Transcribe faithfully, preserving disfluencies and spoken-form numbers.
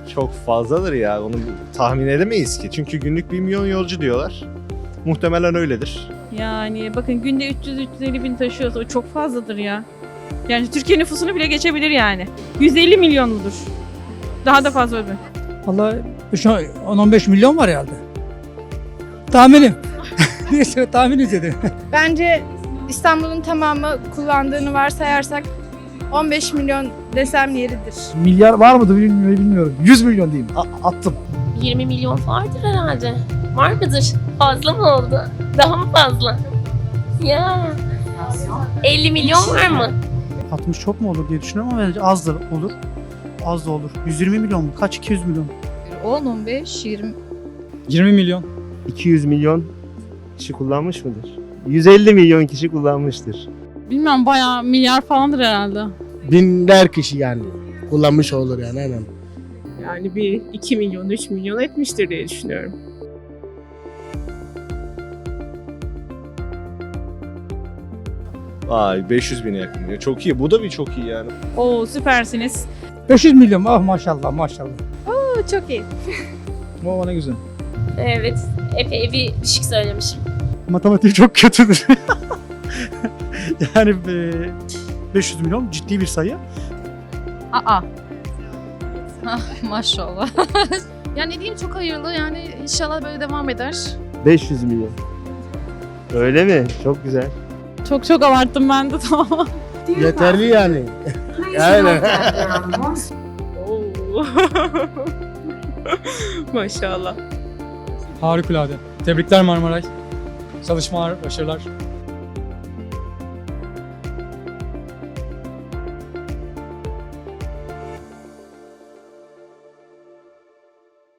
Çok fazladır ya. Onu tahmin edemeyiz ki. Çünkü günlük bir milyon yolcu diyorlar. Muhtemelen öyledir. Yani bakın günde üç yüz üç yüz elli bin taşıyorsa o çok fazladır ya. Yani Türkiye nüfusunu bile geçebilir yani. yüz elli milyon mudur? Daha da fazla mı? Vallahi şu an on on beş milyon var herhalde. Tahminim. Neyse tahmin edelim. Bence İstanbul'un tamamı kullandığını varsayarsak on beş milyon desem yeridir. Milyar var mıdır bilmiyorum. bilmiyorum. yüz milyon diyeyim. A- attım. yirmi milyon vardır herhalde. Var mıdır? Fazla mı oldu? Daha mı fazla? Ya. elli milyon var mı? altmış çok mu olur diye düşünüyorum ama bence azdır olur. Az da olur. yüz yirmi milyon mu? Kaç? iki yüz milyon. on, on beş, yirmi. yirmi milyon. iki yüz milyon kişi kullanmış mıdır? yüz elli milyon kişi kullanmıştır. Bilmiyorum bayağı milyar falandır herhalde. Binler kişi yani kullanmış olur yani aynen. Yani bir iki milyon, üç milyon etmiştir diye düşünüyorum. Vay beş yüz bine yakın diyor. Çok iyi. Bu da bir çok iyi yani. Oo süpersiniz. beş yüz milyon. Ah maşallah maşallah. Bu çok iyi. O ne güzel. Evet. Epey bir düşük söylemişim. Matematik çok kötüdür. yani e, beş yüz milyon ciddi bir sayı. Aa. Maşallah. Yani ne diyeyim çok hayırlı yani inşallah böyle devam eder. beş yüz milyon. Öyle mi? Çok güzel. Çok çok abarttım ben de tamam. Yeterli yani. Aynen. Oo. Maşallah. Harikulade. Tebrikler Marmaray. Çalışmalar, başarılar.